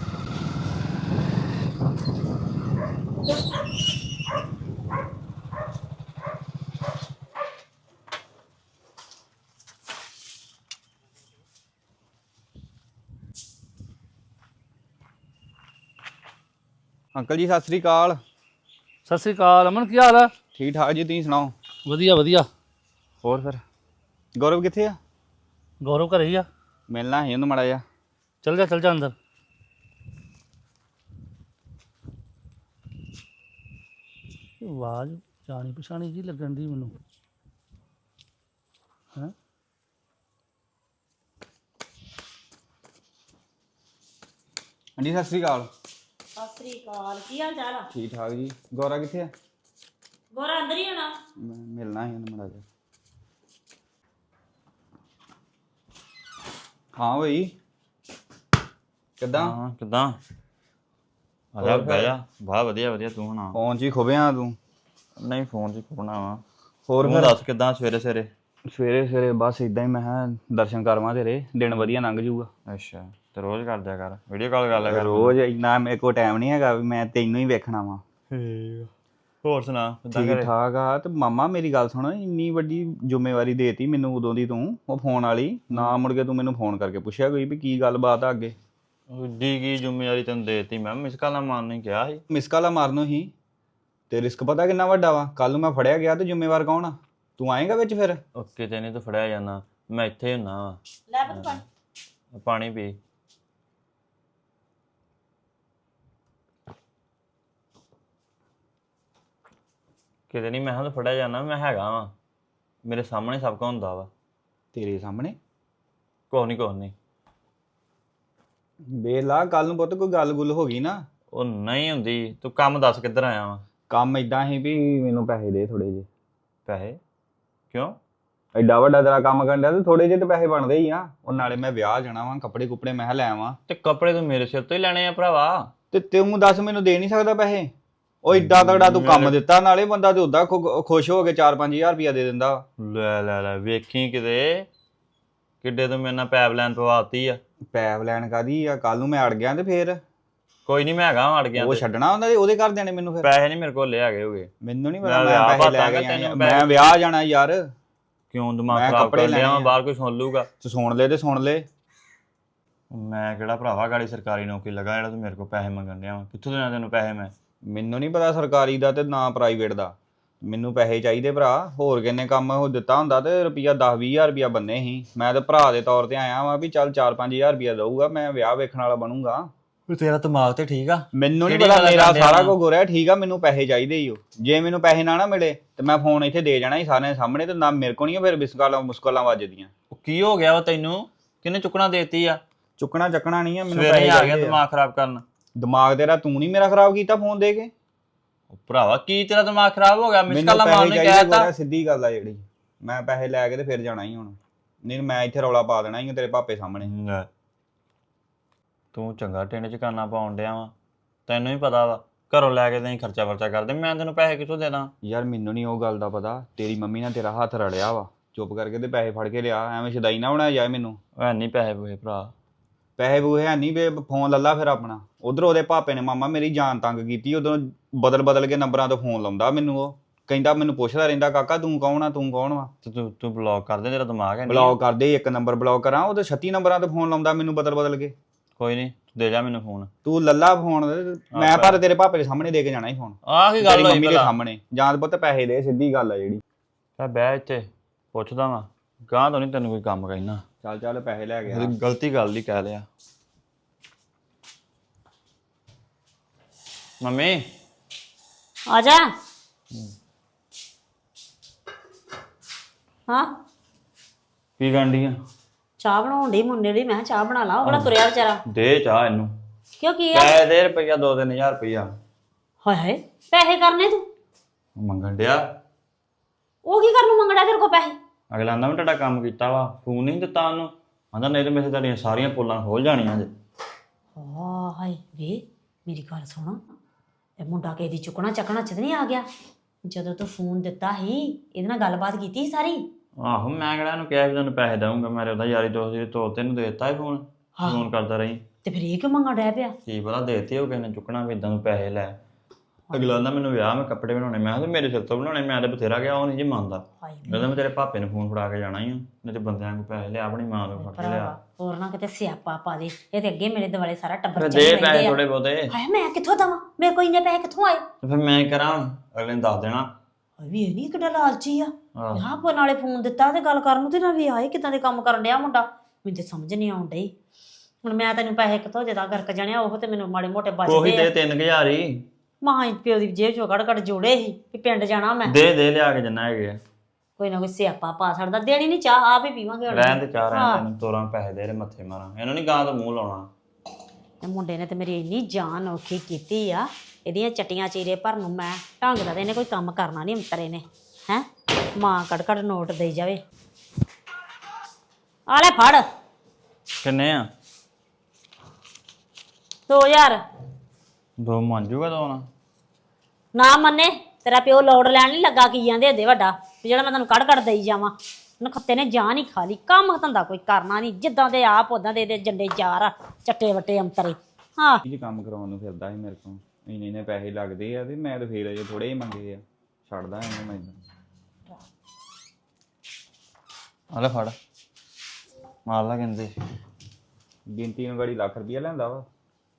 S5: ਅੰਕਲ ਜੀ ਸਤਿ ਸ੍ਰੀ ਅਕਾਲ।
S1: ਸਤਿ ਸ੍ਰੀ ਅਕਾਲ ਅਮਨ, ਕੀ ਹਾਲ ਆ?
S5: ਠੀਕ ਠਾਕ ਜੀ, ਤੁਸੀਂ ਸੁਣਾਓ?
S1: ਵਧੀਆ ਵਧੀਆ।
S5: ਹੋਰ ਫਿਰ ਗੌਰਵ ਕਿੱਥੇ ਆ?
S1: ਗੌਰਵ ਘਰੇ ਹੀ ਆ।
S5: ਮਿਲਣਾ ਸੀ ਉਹਨੂੰ ਮਾੜਾ ਜਿਹਾ।
S1: ਚੱਲ ਜਾ ਚੱਲ ਜਾ ਅੰਦਰ। ਆਵਾਜ਼ ਜਾਣੀ ਪਛਾਣੀ ਜੀ ਲੱਗਣ ਦੀ ਮੈਨੂੰ ਹੈਂ।
S5: ਹਾਂਜੀ ਸਤਿ ਸ੍ਰੀ ਅਕਾਲ।
S3: ਸਤਿ ਸ੍ਰੀ ਅਕਾਲ, ਕੀ ਹਾਲ ਚਾਲ ਆ?
S5: ਠੀਕ ਠਾਕ ਜੀ। ਗੌਰਾ ਕਿੱਥੇ ਆ?
S3: ਗੋਰਾ ਅੰਦਰ ਹੀ ਹੋਣਾ।
S5: ਮੈਂ ਮਿਲਣਾ ਸੀ ਉਹਨੂੰ ਮਾੜਾ ਜਿਹਾ। ਹਾਂ ਬਈ ਕਿੱਦਾਂ?
S6: ਹਾਂ ਕਿੱਦਾਂ ਆ ਜਾ ਬਹਿ ਜਾ। ਬਾ ਵਧੀਆ ਵਧੀਆ ਤੂੰ ਸੁਣਾ?
S5: ਫੋਨ 'ਚ ਹੀ ਖੁੱਬਿਆ ਤੂੰ।
S6: ਨਹੀਂ ਫੋਨ 'ਚ ਖੁੱਬਣਾ ਵਾ।
S5: ਹੋਰ
S6: ਤੂੰ
S5: ਫਿਰ
S6: ਦੱਸ ਕਿੱਦਾਂ ਸਵੇਰੇ ਸਵੇਰੇ?
S5: ਸਵੇਰੇ ਸਵੇਰੇ ਬਸ ਇਦਾਂ ਹੀ ਮੈਂ ਕਿਹਾ ਦਰਸ਼ਨ ਕਰਵਾਂ ਤੇਰੇ, ਦਿਨ ਵਧੀਆ ਲੰਘ ਜਾਊਗਾ।
S6: ਅੱਛਾ ਤੇ ਰੋਜ਼ ਕਰ ਦਿਆ ਕਰ, ਵੀਡੀਓ ਕਾਲ ਕਰ ਲਿਆ ਕਰ।
S5: ਰੋਜ਼ ਇੰਨਾ ਮੇਰੇ ਕੋਲ ਟਾਈਮ ਨਹੀਂ ਹੈਗਾ ਵੀ ਮੈਂ ਤੈਨੂੰ ਹੀ ਵੇਖਣਾ ਵਾ।
S6: ਹੋਰ ਸੁਣਾ ਕਿੱਦਾਂ
S5: ਠੀਕ
S6: ਘਰੇ?
S5: ਠਾਕ ਆ। ਤੇ ਮਾਮਾ ਮੇਰੀ ਗੱਲ ਸੁਣ, ਇੰਨੀ ਵੱਡੀ ਜ਼ਿੰਮੇਵਾਰੀ ਦੇਤੀ ਮੈਨੂੰ ਉਦੋਂ ਦੀ ਤੂੰ, ਉਹ ਫੋਨ ਵਾਲੀ ਨਾ ਮੁੜ ਕੇ ਤੂੰ ਮੈਨੂੰ ਫੋਨ ਕਰਕੇ ਪੁੱਛਿਆ ਕੋਈ ਵੀ ਕੀ ਗੱਲਬਾਤ ਆ ਅੱਗੇ।
S6: ਡੀ ਕੀ ਜ਼ਿੰਮੇਵਾਰੀ ਤੈਨੂੰ ਦੇਤੀ ਮੈਂ ਮਿਸ ਕਾਲਾਂ ਮਾਰਨ ਨੂੰ ਕਿਹਾ ਸੀ।
S5: ਮਿਸ ਕਾਲਾ ਮਾਰਨੋ ਹੀ ਤੇ ਰਿਸਕ ਪਤਾ ਕਿੰਨਾ ਵੱਡਾ ਵਾ। ਕੱਲ ਨੂੰ ਮੈਂ ਫੜਿਆ ਗਿਆ ਤੇ ਜ਼ਿੰਮੇਵਾਰ ਕੌਣ ਆ? ਤੂੰ ਆਏਗਾ ਵਿੱਚ ਫਿਰ?
S6: ਉਹ ਕਿਤੇ ਨਹੀਂ ਤੂੰ ਫੜਿਆ ਜਾਣਾ, ਮੈਂ ਇੱਥੇ ਹੁੰਨਾ ਵਾ।
S3: ਲੈ ਪੁੱਤ ਪਾਣੀ।
S6: ਪਾਣੀ ਪੀ। ਕਿਤੇ ਨਹੀਂ ਮੈਂ ਹਾਂ ਫੜਿਆ ਜਾਣਾ, ਮੈਂ ਹੈਗਾ ਵਾ, ਮੇਰੇ ਸਾਹਮਣੇ ਸਭ ਕੁਝ ਹੁੰਦਾ ਵਾ।
S5: ਤੇਰੇ ਸਾਹਮਣੇ?
S6: ਕੁਛ ਨਹੀਂ ਕੁਛ ਨਹੀਂ।
S5: ਵੇਲਾ ਕੱਲ ਨੂੰ ਪੁੱਤ ਕੋਈ ਗੱਲ ਗੁੱਲ ਹੋ ਗਈ ਨਾ।
S6: ਉਹ ਨਹੀਂ ਹੁੰਦੀ। ਤੂੰ ਕੰਮ ਦੱਸ ਕਿੱਧਰ ਆਇਆ ਵਾ?
S5: ਕੰਮ ਇਦਾਂ ਹੀ ਵੀ ਮੈਨੂੰ ਪੈਸੇ ਦੇ ਥੋੜੇ ਜਿਹੇ।
S6: ਪੈਸੇ? ਕਿਉਂ?
S5: ਐਡਾ ਵੱਡਾ ਤੇਰਾ ਕੰਮ ਕਰਨ ਡਿਆ ਤੇ ਥੋੜੇ ਜਿਹੇ ਤੇ ਪੈਸੇ ਬਣਦੇ ਹੀ ਆ। ਉਹ ਨਾਲੇ ਮੈਂ ਵਿਆਹ ਜਾਣਾ ਵਾ, ਕੱਪੜੇ ਕੁਪੜੇ ਮੈਂ ਲੈ ਆਵਾਂ।
S6: ਤੇ ਕੱਪੜੇ ਤੂੰ ਮੇਰੇ ਸਿਰ ਤੋਂ ਹੀ ਲੈਣੇ ਆ ਭਰਾਵਾ।
S5: ਤੇ ਤੂੰ ਦੱਸ ਮੈਨੂੰ ਦੇ ਨਹੀਂ ਸਕਦਾ ਪੈਸੇ? ਉਹ ਏਡਾ ਤਗੜਾ ਤੂੰ ਕੰਮ ਦਿੱਤਾ, ਨਾਲੇ ਬੰਦਾ ਤੇ ਉਦਾਂ ਖੁਸ਼ ਹੋ ਕੇ ਚਾਰ ਪੰਜ ਹਜ਼ਾਰ ਰੁਪਇਆ ਦੇ ਦਿੰਦਾ।
S6: ਲੈ ਲੈ ਲੈ ਵੇਖੀ ਕਿਤੇ ਕਿੱਡੇ ਤੂੰ ਮੇਰੇ ਨਾਲ ਪੈਪ ਲੈਣ ਪਵਾਤੀ ਆ।
S5: ਪੈਪ ਲੈਣ ਕਾਦੀ ਆ? ਕੱਲ ਨੂੰ ਮੈਂ ਅੜ ਗਿਆ ਤੇ ਫੇਰ?
S6: ਕੋਈ ਨਹੀਂ ਮੈਂ ਹੈਗਾ ਅੜ ਗਿਆ
S5: ਉਹ
S6: ਤੇ।
S5: ਛੱਡਣਾ ਹੁੰਦਾ ਤੇ ਉਹਦੇ ਘਰ ਦੇਣੇ ਮੈਨੂੰ ਫਿਰ?
S6: ਪੈਸੇ ਨਹੀਂ ਮੇਰੇ ਕੋਲ ਲੈ ਆਗੇ ਹੋਗੇ।
S5: ਮੈਨੂੰ ਨਹੀਂ ਪਤਾ,
S6: ਮੈਂ
S5: ਮੈਂ
S6: ਵਿਆਹ
S5: ਪੈਸੇ ਲੈ
S6: ਭਾਤਾਂਗਾ
S5: ਕੇ ਆਇਆ।
S6: ਤੈਨੂੰ
S5: ਮੈਂ
S6: ਪੈਸੇ-
S5: ਵਿਆਹ ਜਾਣਾ ਯਾਰ।
S6: ਕਿਉਂ ਦਿਮਾਗ
S5: ਮੈਂ
S6: ਖਰਾਬ
S5: ਕੱਪੜੇ
S6: ਕਰ ਲਿਆ
S5: ਲੈਣੇ ਆ।
S6: ਬਾਹਰ ਕੋਈ ਸੁਣ ਲੂਗਾ।
S5: ਤੂੰ ਸੁਣ ਲੈ ਤੇ ਸੁਣ ਲੈ।
S6: ਮੈਂ ਕਿਹੜਾ ਭਰਾਵਾ ਗਾੜੀ ਸਰਕਾਰੀ ਨੌਕਰੀ ਲਗਾ ਜਿਹੜਾ ਤੂੰ ਮੇਰੇ ਕੋਲ ਪੈਸੇ ਮੰਗਣ ਡਿਆ ਵਾ? ਕਿੱਥੋਂ ਦੇਣਾ ਤੈਨੂੰ ਪੈਸੇ ਮੈਂ?
S5: ਮੈਨੂੰ ਨਹੀਂ ਪਤਾ ਸਰਕਾਰੀ ਦਾ ਤੇ ਨਾ ਪ੍ਰਾਈਵੇਟ ਦਾ। ਮੈਨੂੰ ਪੈਸੇ ਚਾਹੀਦੇ ਭਰਾ। ਹੋਰ ਕਿੰਨੇ ਕੰਮ ਉਹ ਦਿੱਤਾ ਹੁੰਦਾ ਤੇ ਰੁਪਈਆ ਦਸ ਵੀਹ ਹਜ਼ਾਰ ਰੁਪਈਆ ਬੰਨੇ ਸੀ। ਮੈਂ ਤੇ ਭਰਾ ਦੇ ਤੌਰ ਤੇ ਆਇਆ ਵਾਂ ਵੀ ਚੱਲ ਚਾਰ ਪੰਜ ਹਜ਼ਾਰ ਰੁਪਈਆ ਦਊਗਾ, ਮੈਂ ਵਿਆਹ ਵੇਖਣ ਵਾਲਾ ਬਣੂੰਗਾ।
S6: ਤੇਰਾ ਦਿਮਾਗ ਤੇ ਠੀਕ ਆ?
S5: ਮੈਨੂੰ ਨਹੀਂ
S6: ਕਿਹੜੀ
S5: ਪਤਾ,
S6: ਗੱਲ
S5: ਮੇਰਾ
S6: ਕਰਦੇ ਆ
S5: ਸਾਰਾ
S6: ਨਾ?
S5: ਕੁਝ ਹੋ ਰਿਹਾ ਠੀਕ ਆ। ਮੈਨੂੰ ਪੈਸੇ ਚਾਹੀਦੇ ਹੀ ਹੋ। ਜੇ ਮੈਨੂੰ ਪੈਸੇ ਨਾ ਨਾ ਮਿਲੇ ਤੇ ਮੈਂ ਫੋਨ ਇੱਥੇ ਦੇ ਜਾਣਾ ਸੀ ਸਾਰਿਆਂ ਦੇ ਸਾਹਮਣੇ, ਤੇ ਨਾ ਮੇਰੇ ਕੋਲ ਨਹੀਂ ਫਿਰ ਬਿਸਕਾਲਾਂ ਮੁਸਕਲਾਂ ਵੱਜਦੀਆਂ।
S6: ਉਹ ਕੀ ਹੋ ਗਿਆ ਵਾ ਤੈਨੂੰ? ਕਿਹਨੇ ਚੁੱਕਣਾ ਦੇਤੀ ਆ?
S5: ਚੁੱਕਣਾ ਚੱਕਣਾ ਨਹੀਂ ਆ, ਮੈਨੂੰ
S6: ਸਵੇਰੇ
S5: ਪੈਸੇ
S6: ਆ ਗਿਆ
S5: ਚਾਹੀਦੇ ਆ।
S6: ਦਿਮਾਗ ਖਰਾਬ ਕਰਨ।
S5: ਦਿਮਾਗ ਤੇਰਾ ਤੂੰ ਨਹੀਂ ਮੇਰਾ ਖਰਾਬ ਕੀਤਾ ਫੋਨ ਦੇ ਕੇ।
S6: ਉਹ ਭਰਾਵਾ ਕੀ ਤੇਰਾ ਦਿਮਾਗ ਖਰਾਬ ਹੋ ਗਿਆ? ਮਿਸ
S5: ਮੈਨੂੰ
S6: ਕਾਲਾਂ ਮਾਰਨ
S5: ਪੈਸੇ
S6: ਨੂੰ
S5: ਚਾਹੀਦੇ
S6: ਕਹਿਤਾ।
S5: ਗੋਰਾ, ਸਿੱਧੀ ਗੱਲ ਆ ਜਿਹੜੀ। ਮੈਂ ਪੈਸੇ ਲੈ ਕੇ ਤੇ ਫਿਰ ਜਾਣਾ ਹੀ ਹੁਣ, ਨਹੀਂ ਮੈਂ ਇੱਥੇ ਰੌਲਾ ਪਾ ਦੇਣਾ ਹੀ ਤੇਰੇ ਪਾਪੇ ਸਾਹਮਣੇ।
S6: ਲੈ, ਤੂੰ ਚੰਗਾ ਟਿੰਡ ਚ ਕਰਨਾ ਪਾਉਣ ਡਿਆ ਵਾ। ਤੈਨੂੰ ਹੀ ਪਤਾ ਵਾ ਘਰੋਂ ਲੈ ਕੇ ਨਹੀਂ ਖਰਚਾ ਵਰਚਾ ਕਰਦੇ, ਮੈਂ ਤੈਨੂੰ ਪੈਸੇ ਕਿੱਥੋਂ ਦੇ ਦਾਂ?
S5: ਯਾਰ ਮੈਨੂੰ ਨਹੀਂ ਉਹ ਗੱਲ ਦਾ ਪਤਾ। ਤੇਰੀ ਮੰਮੀ ਨਾਲ ਤੇਰਾ ਹੱਥ ਰੜਿਆ ਵਾ, ਚੁੱਪ ਕਰਕੇ ਤੇ ਪੈਸੇ ਫੜ ਕੇ ਲਿਆ। ਐਵੇਂ ਸ਼ਦਾਈ ਨਾ ਬਣਾਇਆ ਜਾਏ ਮੈਨੂੰ।
S6: ਐ ਨਹੀਂ ਪੈਸੇ ਪੂਸੇ ਭਰਾ।
S5: ਪੈਸੇ ਬੂਹੇ ਹੈ ਨਹੀਂ ਵੇ, ਫੋਨ ਲੱਲਾ ਫਿਰ ਆਪਣਾ। ਉਧਰ ਉਹਦੇ ਪਾਪੇ ਨੇ ਮਾਮਾ ਮੇਰੀ ਜਾਨ ਤੰਗ ਕੀਤੀ। ਉਦੋਂ ਬਦਲ ਬਦਲ ਕੇ ਨੰਬਰਾਂ ਤੋਂ ਫੋਨ ਲਾਉਂਦਾ ਮੈਨੂੰ। ਉਹ ਕਹਿੰਦਾ, ਮੈਨੂੰ ਪੁੱਛਦਾ ਰਹਿੰਦਾ ਕਾਕਾ ਤੂੰ ਕੌਣ ਆ, ਤੂੰ ਕੌਣ ਵਾ।
S6: ਤੇ ਤੂੰ ਤੂੰ ਬਲੌਕ ਕਰ ਦੇ, ਤੇਰਾ ਦਿਮਾਗ ਹੈ ਨਹੀਂ।
S5: ਬਲੌਕ ਕਰਦੇ, ਇੱਕ ਨੰਬਰ ਬਲੌਕ ਕਰਾਂ, ਉਹਦੇ ਛੱਤੀ ਨੰਬਰਾਂ ਤੋਂ ਫੋਨ ਲਾਉਂਦਾ ਮੈਨੂੰ ਬਦਲ ਬਦਲ ਕੇ।
S6: ਕੋਈ ਨਹੀਂ ਦੇ ਜਾ ਮੈਨੂੰ ਫੋਨ।
S5: ਤੂੰ ਲੱਲਾ ਫੋਨ, ਮੈਂ ਪਰ ਤੇਰੇ ਪਾਪੇ ਦੇ ਸਾਹਮਣੇ ਦੇ ਕੇ ਜਾਣਾ ਹੀ ਫੋਨ।
S6: ਆਹ ਕੀ
S5: ਤੇਰੀ
S6: ਗੱਲ ਹੋਈ
S5: ਮੰਮੀ ਦੇ
S6: ਭਲਾ?
S5: ਸਾਹਮਣੇ ਜਾਂ ਪੁੱਤ ਪੈਸੇ ਦੇ, ਸਿੱਧੀ ਗੱਲ ਆ ਜਿਹੜੀ।
S6: ਮੈਂ ਬਹਿ ਇੱਥੇ ਪੁੱਛਦਾ ਵਾਂ, ਗਾਂ ਤੋਂ ਨਹੀਂ ਤੈਨੂੰ ਕੋਈ ਕੰਮ ਕਹਿਣਾ।
S5: ਚੱਲ ਚੱਲ ਪੈਸੇ ਲੈ ਗਿਆ।
S6: ਤੇਰੀ ਗਲਤੀ ਗੱਲ ਹੀ ਕਹਿ ਲਿਆ। ਮੰਮੀ
S3: ਆ ਜਾ। ਹਾਂ
S6: ਕੀ ਗੰਢੀ ਆ?
S3: ਚਾਹ ਬਣਾਉਣ ਡਈ ਮੁੰਡੇ ਲਈ। ਮੈਂ ਕਿਹਾ ਚਾਹ ਬਣਾ ਲਾ। ਉਹ ਬੜਾ ਤੁਰਿਆ ਵਿਚਾਰਾ।
S6: ਦੇ ਚਾਹ ਇਹਨੂੰ।
S3: ਕਿਉਂ ਕੀ ਆ?
S6: ਪੈਸੇ ਦੇ ਰੁਪਈਆ ਦੋ ਤਿੰਨ ਹਜ਼ਾਰ ਰੁਪਈਆ
S3: ਹਾਏ ਹਾਏ ਪੈਸੇ ਕਰਨੇ ਤੂੰ?
S6: ਮੰਗਣ ਡਿਆ।
S3: ਉਹ ਕੀ ਕਰਨ ਨੂੰ ਮੰਗਣਾ ਤੇਰੇ ਕੋਲ ਪੈਸੇ?
S6: ਅਗਲਾ ਆਂਦਾ ਮੈਂ ਤੁਹਾਡਾ ਕੰਮ ਕੀਤਾ ਵਾ, ਫੋਨ ਨਹੀਂ ਦਿੱਤਾ ਉਹਨੂੰ। ਆਂਦਾ ਨਹੀਂ ਤੇ ਮੇਰੇ ਤੁਹਾਡੀਆਂ ਸਾਰੀਆਂ ਪੋਲਾਂ ਖੋਲ ਜਾਣੀਆਂ ਜੇ।
S3: ਆ ਹਾਏ ਵੇ ਮੇਰੀ ਗੱਲ ਸੁਣ, ਇਹ ਮੁੰਡਾ ਕਿਸੇ ਦੀ ਚੁੱਕਣਾ ਚੱਕਣਾ ਚ ਨਹੀਂ ਆ ਗਿਆ? ਜਦੋਂ ਤੂੰ ਫੋਨ ਦਿੱਤਾ ਸੀ ਇਹਦੇ ਨਾਲ ਗੱਲਬਾਤ ਕੀਤੀ ਸੀ ਸਾਰੀ?
S6: ਆਹੋ ਮੈਂ ਕਿਹੜਾ ਇਹਨੂੰ ਕਿਹਾ ਵੀ ਤੈਨੂੰ ਪੈਸੇ ਦਊਂਗਾ। ਮੈਂ ਉਹਦਾ ਯਾਰੀ ਦੋਸਤ ਦੇ ਤੌਰ ਤੇ ਇਹਨੂੰ ਦੇ ਦਿੱਤਾ ਸੀ ਫੋਨ। ਫੋਨ ਕਰਦਾ ਰਹੀ।
S3: ਤੇ ਫਿਰ ਇਹ ਕਿਉਂ ਮੰਗਣ ਡਿਆ ਪਿਆ?
S6: ਕੀ ਪਤਾ ਦੇਤੇ ਹੋ ਕਿਸੇ ਨੇ ਚੁੱਕਣਾ ਵੀ ਇਦਾਂ ਨੂੰ ਪੈਸੇ ਲੈ। ਅਗਲਾ ਆਂਦਾ ਮੈਨੂੰ ਵਿਆਹ ਮੈਂ ਕੱਪੜੇ ਬਣਾਉਣੇ। ਮੈਂ ਕਿਹਾ ਮੇਰੇ ਸਿਰ ਤੋਂ ਬਣਾਉਣੇ, ਮੈਂ ਤਾਂ ਬਥੇਰਾ ਗਿਆ, ਉਹ ਨਹੀਂ ਜੀ ਮੰਨਦਾ।
S3: ਹਾਏ
S6: ਕਹਿੰਦਾ ਮੈਂ ਤੇਰੇ ਭਾਪੇ ਨੂੰ ਫੋਨ ਫੜਾ ਕੇ ਜਾਣਾ ਹੀ ਆ, ਨਹੀਂ ਤੇ ਬੰਦਿਆਂ ਨੂੰ ਪੈਸੇ ਲਿਆ, ਆਪਣੀ ਮਾਂ ਤੋਂ ਫੜ ਕੇ ਲਿਆ।
S3: ਭਰਾਵਾ ਹੋਰ ਨਾ ਕਿਤੇ ਸਿਆਪਾ ਪਾ ਦੇ। ਇਹ ਤੇ ਅੱਗੇ ਮੇਰੇ ਦੁਆਲੇ ਸਾਰਾ ਟੱਬਰ
S6: ਫਿਰ
S3: ਚੱਲ
S6: ਦੇ
S3: ਰਹਿੰਦੇ
S6: ਪੈਸੇ
S3: ਆ।
S6: ਥੋੜੇ ਬਹੁਤੇ।
S3: ਹਾਏ ਮੈਂ ਕਿੱਥੋਂ ਦਵਾਂ? ਮੇਰੇ ਕੋਲ ਇੰਨੇ ਪੈਸੇ ਕਿੱਥੋਂ ਆਏ?
S6: ਤੇ ਫਿਰ ਮੈਂ ਕਰਾਂ ਹੁਣ? ਅਗਲੇ ਨੇ ਦੱਸ ਦੇਣਾ।
S3: ਹਾਏ ਵੀ ਇਹ ਨਹੀਂ ਕਿੱਡਾ ਲਾਲਚੀ ਆ।
S6: ਆਹ
S3: ਹਾਂ ਪੋ ਨਾਲੇ ਫੋਨ ਦਿੱਤਾ ਤੇ ਗੱਲ ਕਰਨ ਨੂੰ, ਤੇ ਨਾ ਵੀ ਆਏ ਕਿਦਾਂ ਦੇ ਕੰਮ ਕਰਨ ਡਿਆ ਮੁੰਡਾ। ਮੈਨੂੰ ਤੇ ਸਮਝ ਨਹੀਂ ਆਉਣ ਡਈ। ਹੁਣ ਮੈਂ ਤੈਨੂੰ ਪੈਸੇ ਕਿੱਥੋਂ ਦੇਦਾ? ਗਰਕ ਜਾਣਿਆ ਉਹ ਤੇ ਮੈਨੂੰ ਮਾੜੇ ਮੋਟੇ
S6: ਉਹੀ
S3: ਬਚਦੇ
S6: ਦੇ
S3: ਆ।
S6: ਤਿੰਨ ਕੁ ਹਜ਼ਾਰ ਹੀ
S3: ਮਾਂ ਪਿਓ ਦੀ ਜੇਬ ਚੋਂ ਕੱਢ ਕੱਢ ਜੋੜੇ ਸੀ ਕਿ ਪਿੰਡ ਜਾਣਾ ਮੈਂ।
S6: ਦੇ ਦੇ ਲਿਆ ਕੇ ਜਿੰਨਾ ਹੈਗੇ ਆ।
S3: ਕੋਈ ਨਾ ਕੋਈ ਸਿਆਪਾ ਪਾ ਛੱਡਦਾ। ਦੇਣੀ ਨਹੀਂ ਚਾਹ, ਆਪ ਹੀ ਪੀਵਾਂਗੇ ਹੁਣ।
S6: ਰਹਿਣ ਤੇ ਚਾਹ ਰਹਿਣ ਤੈਨੂੰ ਤੋਰਾਂ ਪੈਸੇ ਦੇ ਰੇ ਮੱਥੇ ਮਾਰਾਂ। ਇਹਨੂੰ ਨਹੀਂ ਗਾਂ ਤੋਂ ਮੂੰਹ ਲਾਉਣਾ।
S3: ਤੇ ਮੁੰਡੇ ਨੇ ਤੇ ਮੇਰੀ ਇੰਨੀ ਜਾਨ ਔਖੀ ਕੀਤੀ ਆ। ਇਹਦੀਆਂ ਚਟੀਆਂ ਚੀਰੇ ਭਰਨ ਨੂੰ ਮੈਂ ਢੰਗ ਦਾ ਤੇ ਇਹਨੇ ਕੋਈ ਕੰਮ ਕਰਨਾ ਨਹੀਂ ਅੰਤਰੇ ਨੇ। ਹੈਂ ਮਾਂ ਕੱਢ ਕੱਢ ਨੋਟ ਦੇਈ ਜਾਵੇ। ਆ ਲੈ ਫੜ
S6: ਕਿੰਨੇ ਆ?
S3: ਦੋ ਹਜ਼ਾਰ।
S6: ਦੋ ਮੰਨ ਜੂਗਾ ਦੋ ਨਾ?
S3: ਨਾ ਮੰਨੇ ਤੇਰਾ ਪਿਓ ਲੋੜ ਲੈਣ ਨਹੀਂ ਲੱਗਾ ਕੀ ਜਾਂਦੇ ਦੇ ਵੱਡਾ ਵੀ ਜਿਹੜਾ ਮੈਂ ਤੈਨੂੰ ਕੱਢ ਕੱਢ ਦੇਈ ਜਾਵਾਂ। ਨਖੱਤੇ ਨੇ ਜਾਨ ਹੀ ਖਾ ਲਈ। ਕੰਮ ਧੰਦਾ ਕੋਈ ਕਰਨਾ ਨਹੀਂ। ਜਿੱਦਾਂ ਦੇ ਆਪ ਉਦਾਂ ਦੇ ਇਹਦੇ ਜੰਡੇ ਚਾਰ ਆ ਚੱਟੇ ਵੱਟੇ ਅੰਤਰੇ। ਹਾਂ
S5: ਕੀ ਕੰਮ ਕਰਾਉਣ ਨੂੰ ਫਿਰਦਾ ਸੀ ਮੇਰੇ ਕੋਲ। ਇੰਨੇ ਇੰਨੇ ਪੈਸੇ ਲੱਗਦੇ ਆ ਤੇ ਮੈਂ ਤਾਂ ਫੇਰ ਅਜੇ ਥੋੜੇ ਹੀ ਮੰਗੇ ਆ ਛੱਡਦਾ ਇਹਨੂੰ ਮੈਂ
S6: ਆ ਲੈ ਫੜ ਮਾਰ ਲਾ ਕਹਿੰਦੇ
S5: ਗਿਣਤੀ ਨੂੰ ਗਾੜੀ ਲੱਖ ਰੁਪਇਆ ਲੈਂਦਾ ਵਾ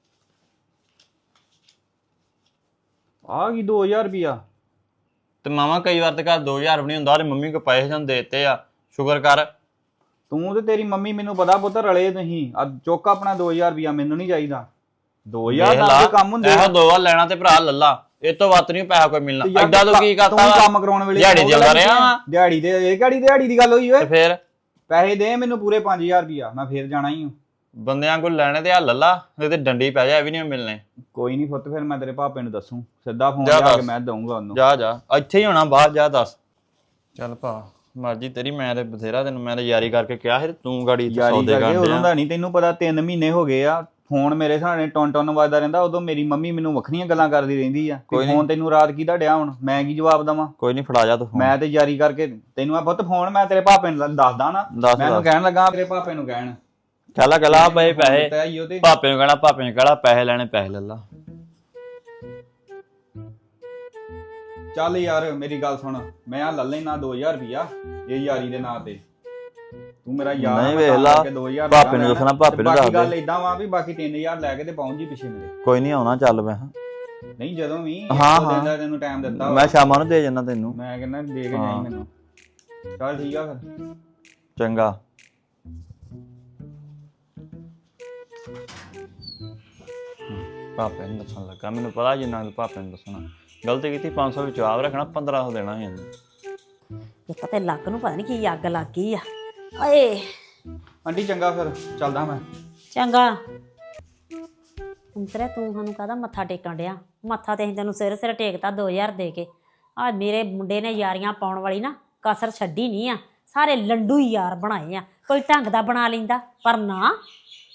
S5: ਆ ਕੀ ਦੋ ਹਜ਼ਾਰ ਰੁਪਇਆ
S6: ਤੇ ਮਾਮਾ ਕਈ ਵਾਰ ਤੇ ਘਰ ਦੋ ਹਜ਼ਾਰ ਵੀ ਨਹੀਂ ਹੁੰਦਾ, ਉਹਦੇ ਮੰਮੀ ਕੋ ਪੈਸੇ ਜਾਂ ਦੇਤੇ ਆ, ਸ਼ੁਕਰ ਕਰ।
S5: ਤੂੰ ਤੇ ਤੇਰੀ ਮੰਮੀ ਮੈਨੂੰ ਪਤਾ ਪੁੱਤ ਰਲੇ ਤੁਸੀਂ ਆ ਚੁੱਕ ਆਪਣਾ ਦੋ ਹਜ਼ਾਰ ਰੁਪਇਆ ਮੈਨੂੰ ਨਹੀਂ ਚਾਹੀਦਾ। ਦੋ ਹਜ਼ਾਰ ਦਾ ਵੀ ਕੰਮ ਹੁੰਦੇ
S6: ਇਹੋ ਦੋ ਵਾਰ ਲੈਣਾ ਤੇ ਭਰਾ ਲੱਲਾ, ਇਹ ਤੋਂ ਵੱਧ ਨਹੀਂ ਪੈਸਾ ਕੋਈ ਮਿਲਣਾ।
S5: ਤੇ ਯਾਰ
S6: ਐਡਾ ਤੂੰ ਕੀ ਕਰਤਾ
S5: ਤੂੰ
S6: ਵਾ?
S5: ਕੰਮ ਕਰਾਉਣ ਵੇਲੇ
S6: ਦਿਹਾੜੀ ਦਿੰਦਾ ਰਿਹਾ ਵਾ।
S5: ਦਿਹਾੜੀ ਤੇ ਇਹ ਕਿਹੜੀ ਦਿਹਾੜੀ ਦੀ ਗੱਲ ਹੋਈ
S6: ਤੇ
S5: ਓਏ?
S6: ਫੇਰ
S5: ਪੈਸੇ ਦੇ ਮੈਨੂੰ ਪੂਰੇ ਪੰਜ ਹਜ਼ਾਰ ਰੁਪਇਆ, ਮੈਂ ਫੇਰ ਜਾਣਾ ਹੀ ਹਾਂ।
S6: ਬੰਦਿਆਂ ਕੋਲ ਲੈਣੇ ਤੇ ਆ ਲੱਲਾ, ਨਹੀਂ ਤੇ ਡੰਡੀ ਪੈ ਜਾ, ਇਹ ਵੀ ਨਹੀਂ ਮਿਲਣੇ।
S5: ਕੋਈ ਨਹੀਂ ਪੁੱਤ, ਫਿਰ ਮੈਂ ਤੇਰੇ ਭਾਪੇ ਨੂੰ ਦੱਸੂ, ਸਿੱਧਾ ਫੋਨ
S6: ਜਾ
S5: ਲਾ ਕੇ
S6: ਦੱਸ।
S5: ਮੈਂ ਦਊਂਗਾ ਉਹਨੂੰ।
S6: ਜਾ ਜਾ ਇੱਥੇ ਹੀ ਹੋਣਾ, ਬਾਹਰ ਜਾ ਦੱਸ। ਚੱਲ ਭਾ ਮਰਜੀ ਤੇਰੀ, ਮੈਂ ਤੇ ਬਥੇਰਾ ਤੈਨੂੰ ਮੈਂ ਤੇ ਯਾਰੀ ਕਰਕੇ ਕਿਹਾ ਸੀ, ਤੂੰ ਗਾੜੀ ਇੱਥੇ
S5: ਯਾਰੀ
S6: ਸੌਦੇ
S5: ਕਰਕੇ
S6: ਕਰਦੇ
S5: ਉਦੋਂ
S6: ਆ।
S5: ਦਾ ਨਹੀਂ ਤੈਨੂੰ ਪਤਾ, ਤਿੰਨ ਮਹੀਨੇ ਹੋ ਗਏ ਆ ਫੋਨ ਮੇਰੇ ਸਾਹਮਣੇ ਟੌਨ ਟੌਨ ਵੱਜਦਾ ਰਹਿੰਦਾ। ਉਦੋਂ ਮੇਰੀ ਮੰਮੀ ਮੈਨੂੰ ਵੱਖਰੀਆਂ ਗੱਲਾਂ ਕਰਦੀ ਰਹਿੰਦੀ ਆ।
S6: ਕੋਈ
S5: ਕੋਈ ਫੋਨ ਤੈਨੂੰ ਰਾਤ ਕਿਹਦਾ ਡਿਆ ਹੁਣ, ਮੈਂ ਕੀ ਜਵਾਬ ਦਵਾਂ?
S6: ਕੋਈ ਨਹੀਂ ਫੜਾ ਜਾ ਤੂੰ phone।
S5: ਮੈਂ ਤੇ ਯਾਰੀ ਕਰਕੇ ਤੈਨੂੰ ਆ ਪੁੱਤ ਫੋਨ ਮੈਂ ਤੇਰੇ ਭਾਪੇ ਨੂੰ ਦੱਸਦਾ ਨਾ,
S6: ਦੱਸ
S5: ਮੈਂ ਉਹਨੂੰ
S6: ਦੱਸ।
S5: ਕਹਿਣ ਲੱਗਾ ਤੇਰੇ ਭਾਪੇ ਨੂੰ ਕਹਿਣ
S6: ਕਹਿਲਾ ਕਹਿਲਾ ਪਏ ਪੈਸੇ,
S5: ਦਿੱਤਾ ਈ ਉਹ ਤੇ।
S6: ਭਾਪੇ ਨੂੰ ਕਹਿਣਾ, ਭਾਪੇ ਨੂੰ ਕਹਿਣਾ ਪੈਸੇ ਲੈਣੇ ਪੈਸੇ ਲੈ ਲਾ।
S5: ਚੱਲ ਯਾਰ ਮੇਰੀ ਗੱਲ ਸੁਣ, ਮੈਂ ਆ ਲੈ ਲੈਣਾ ਦੋ ਹਜ਼ਾਰ ਰੁਪਇਆ ਇਹ ਯਾਰੀ ਦੇ ਨਾਂ ਤੇ। ਤੂੰ ਮੇਰਾ ਯਾਰ
S6: ਨਹੀਂ
S5: ਆ,
S6: ਵੇਖ
S5: ਤਾਂ
S6: ਲਾ,
S5: ਕਰਕੇ ਦੋ ਹਜ਼ਾਰ
S6: ਭਾਪੇ ਨੂੰ
S5: ਲੈਣਾ।
S6: ਦੱਸਣਾ, ਭਾਪੇ
S5: ਤੇ
S6: ਨੂੰ
S5: ਬਾਕੀ
S6: ਦੱਸ
S5: ਗੱਲ
S6: ਦੇ।
S5: ਇਦਾਂ ਵਾ ਵੀ ਬਾਕੀ ਤਿੰਨ ਹਜ਼ਾਰ ਲੈ ਕੇ ਤੇ ਪਹੁੰਚ ਜੀ ਪਿੱਛੇ ਮੇਰੇ।
S6: ਕੋਈ ਨਹੀਂ ਆਉਣਾ, ਚੱਲ ਮੈਂ
S5: ਨਹੀਂ ਜਦੋਂ ਵੀ
S6: ਹਾਂ,
S5: ਦੋ ਦਿਨ ਦਾ
S6: ਹਾਂ।
S5: ਤੈਨੂੰ ਟਾਈਮ ਦਿੱਤਾ ਵਾ।
S6: ਮੈਂ ਸ਼ਾਮਾਂ ਨੂੰ ਦੇ ਜਾਣਾ ਤੈਨੂੰ।
S5: ਮੈਂ ਕਹਿੰਦਾ ਦੇ ਕੇ
S6: ਹਾਂ।
S5: ਜਾਈ ਮੈਨੂੰ। ਚੱਲ ਠੀਕ ਆ ਫਿਰ।
S6: ਚੰਗਾ। ਭਾਪੇ ਨੂੰ ਦੱਸਣ ਲੱਗਾ, ਮੈਨੂੰ ਪਤਾ ਜਿੰਨਾ ਕੁ ਭਾਪੇ ਨੂੰ ਦੱਸਣਾ। ਗਲਤੀ ਕੀਤੀ, ਪੰਜ ਸੌ ਵਿੱਚ ਆਪ ਰੱਖਣਾ, ਪੰਦਰਾਂ ਸੌ ਦੇਣਾ ਸੀ ਇਹਨੂੰ।
S3: ਇੱਕ ਤੇ ਲੱਕ ਨੂੰ ਪਤਾ ਨਹੀਂ ਕੀ ਅੱਗ ਲੱਗ ਗਈ ਆ। ਓਏ
S5: ਆਂਟੀ ਚੰਗਾ ਫਿਰ ਚੱਲਦਾ ਮੈਂ।
S3: ਚੰਗਾ ਅੰਤਰੇ, ਤੂੰ ਸਾਨੂੰ ਕਾਹਦਾ ਮੱਥਾ ਟੇਕਣ ਡਿਆ? ਮੱਥਾ ਤੇ ਅਸੀਂ ਤੈਨੂੰ ਸਿਰ ਸਿਰ ਟੇਕਤਾ ਦੋ ਹਜ਼ਾਰ ਦੇ ਕੇ। ਆ ਮੇਰੇ ਮੁੰਡੇ ਨੇ ਯਾਰੀਆਂ ਪਾਉਣ ਵਾਲੀ ਨਾ ਕਸਰ ਛੱਡੀ ਨਹੀਂ ਆ, ਸਾਰੇ ਲੰਡੂ ਹੀ ਯਾਰ ਬਣਾਏ ਆ। ਕੋਈ ਢੰਗ ਦਾ ਬਣਾ ਲੈਂਦਾ, ਪਰ ਨਾ